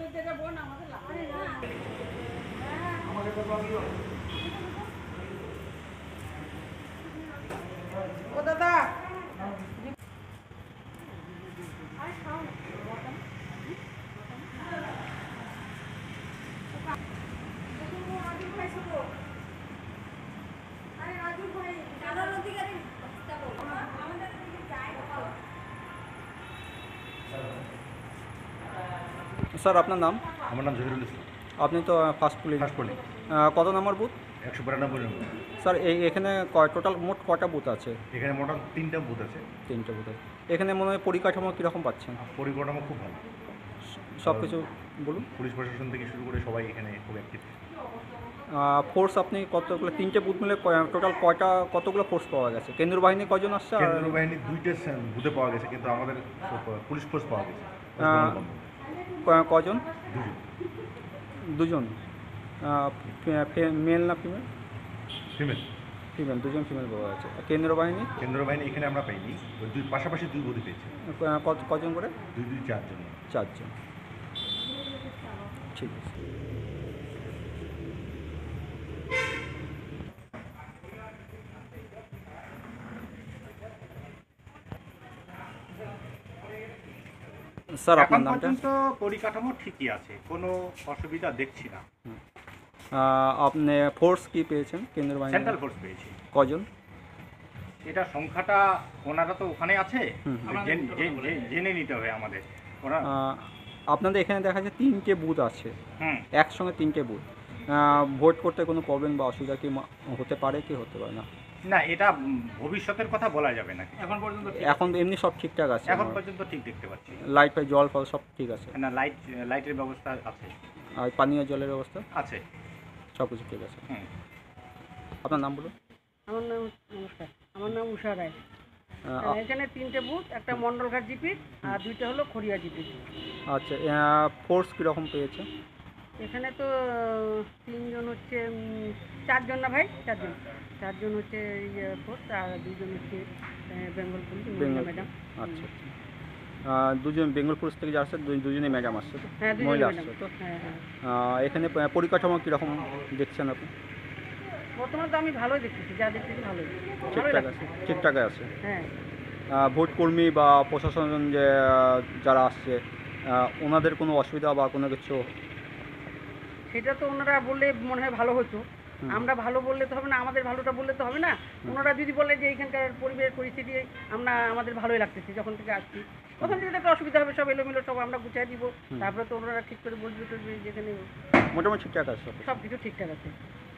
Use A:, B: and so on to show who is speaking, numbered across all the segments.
A: ও দাদা
B: স্যার আপনার নাম?
C: আমার নাম জহিরুল ইসলাম।
B: আপনি তো ফার্স্ট পুলিশ। কত নম্বর বুথ?
C: 192 নম্বর।
B: স্যার এখানে টোটাল মোট কটা বুথ আছে?
C: এখানে মোট 3টা বুথ আছে।
B: 3টে বুথ আছে। এখানে মনে হয় পরিকাঠামো কীরকম পাচ্ছেন?
C: পরিকাঠামো খুব ভালো,
B: সব কিছু বলুন।
C: পুলিশ প্রশাসন থেকে শুরু করে সবাই এখানে খুব অ্যাক্টিভ।
B: ফোর্স আপনি কতগুলো, 3টে বুথ মিলে টোটাল কতগুলো ফোর্স পাওয়া গেছে? কেন্দ্রীয় বাহিনী কজন আসছে?
C: কেন্দ্রীয় বাহিনী 2টে বুথে পাওয়া গেছে, কিন্তু আমাদের পুলিশ ফোর্স পাওয়া গেছে
B: কজন?
C: 2জন।
B: 2জন। মেল না ফিমেল?
C: ফিমেল।
B: ফিমেল, 2জন ফিমেল পাওয়া গেছে। কেন্দ্রীয় বাহিনী?
C: কেন্দ্রীয় বাহিনী এখানে আমরা পাইনি, ওই পাশাপাশি 2 বুথে পেয়েছি।
B: কজন করে?
C: 2 4জন।
B: 4জন। ঠিক আছে। স্যার আপনার নামটা?
D: এখন পর্যন্ত পরিকাঠামো ঠিকই আছে, কোনো অসুবিধা দেখছি না।
B: আপনি ফোর্স কি পেয়েছেন কেন্দ্রীয় বাহিনী?
D: সেন্ট্রাল ফোর্স পেয়েছি।
B: কজন?
D: এটা সংখ্যাটা ওনারা তো ওখানে আছে, জেনে নিতে হবে আমাদের। ওরা
B: আপনাদের এখানে দেখা যাচ্ছে 3টে বুথ আছে, একসঙ্গে 3টে বুথ। ভোট করতে কোনো প্রবলেম বা অসুবিধা কি হতে পারে কি হতে পারে না?
D: না, এটা ভবিষ্যতের কথা বলা যাবে না।
B: এখন এমনি সব ঠিকঠাক আছে?
D: এখন পর্যন্ত ঠিক দেখতে পাচ্ছি।
B: লাইট ফাইট জল ফল সব ঠিক আছে?
D: না, লাইটের ব্যবস্থা আছে।
B: আর পানীয় জলের ব্যবস্থা
D: আছে,
B: সব কিছু ঠিক আছে। আপনার নাম বলুন।
A: আমার নাম, নমস্কার, আমার নাম উষা রায়। এখানে 3টে বুথ, একটা মন্ডলঘাট জিপি আর 2টা হলো খড়িয়া জিপি।
B: আচ্ছা, ফোর্স কীরকম পেয়েছে?
A: এখানে তো 3জন হচ্ছে, 4জন না ভাই, 4জন হচ্ছে ফোর্স, আর 2জন হচ্ছে বেঙ্গল পুলিশ ম্যাডাম।
B: আচ্ছা আচ্ছা, 2জন বেঙ্গল পুলিশ থেকে যা আসছে, 2জনই ম্যাডাম আসছে তো?
A: হ্যাঁ,
B: মহিলা আসছে তো? এখানে পরিকাঠামো কীরকম দেখছেন আপনি?
A: বর্তমানে তো আমি ভালোই দেখতেছি, যা দেখতেছি ভালোই,
B: ঠিকঠাক আছে? ঠিকঠাক আছে।
A: হ্যাঁ।
B: ভোট কর্মী বা প্রশাসন যে যারা আসছে, ওনাদের কোনো অসুবিধা বা কোনো কিছু?
A: সেটা তো ওনারা বললে মনে হয় ভালো হতো। আমরা ভালো বললে তো হবে না, আমাদের ভালোটা বললে তো হবে না। ওনারা যদি বলে যে এইখানকার পরিস্থিতি আমাদের ভালোই লাগতেছে, যখন থেকে আসছি তখন থেকে একটা অসুবিধা হবে, সব এলোমেলো, সব আমরা গুছিয়ে দিব, তারপরে তো ওনারা ঠিক করে বলবে টলবে যেখানে।
B: মোটামুটি ঠিকঠাক আছে,
A: সব কিছু ঠিকঠাক আছে।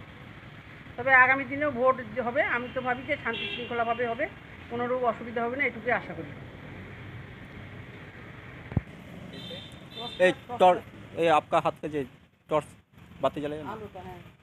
A: তবে আগামী দিনেও ভোট যে হবে, আমি তো ভাবি যে শান্তি শৃঙ্খলাভাবে হবে, কোনোরও অসুবিধা হবে না, এটুকুই আশা করি।
B: এই आपका हाथ का जो टॉर्च बातें जलेगा ना?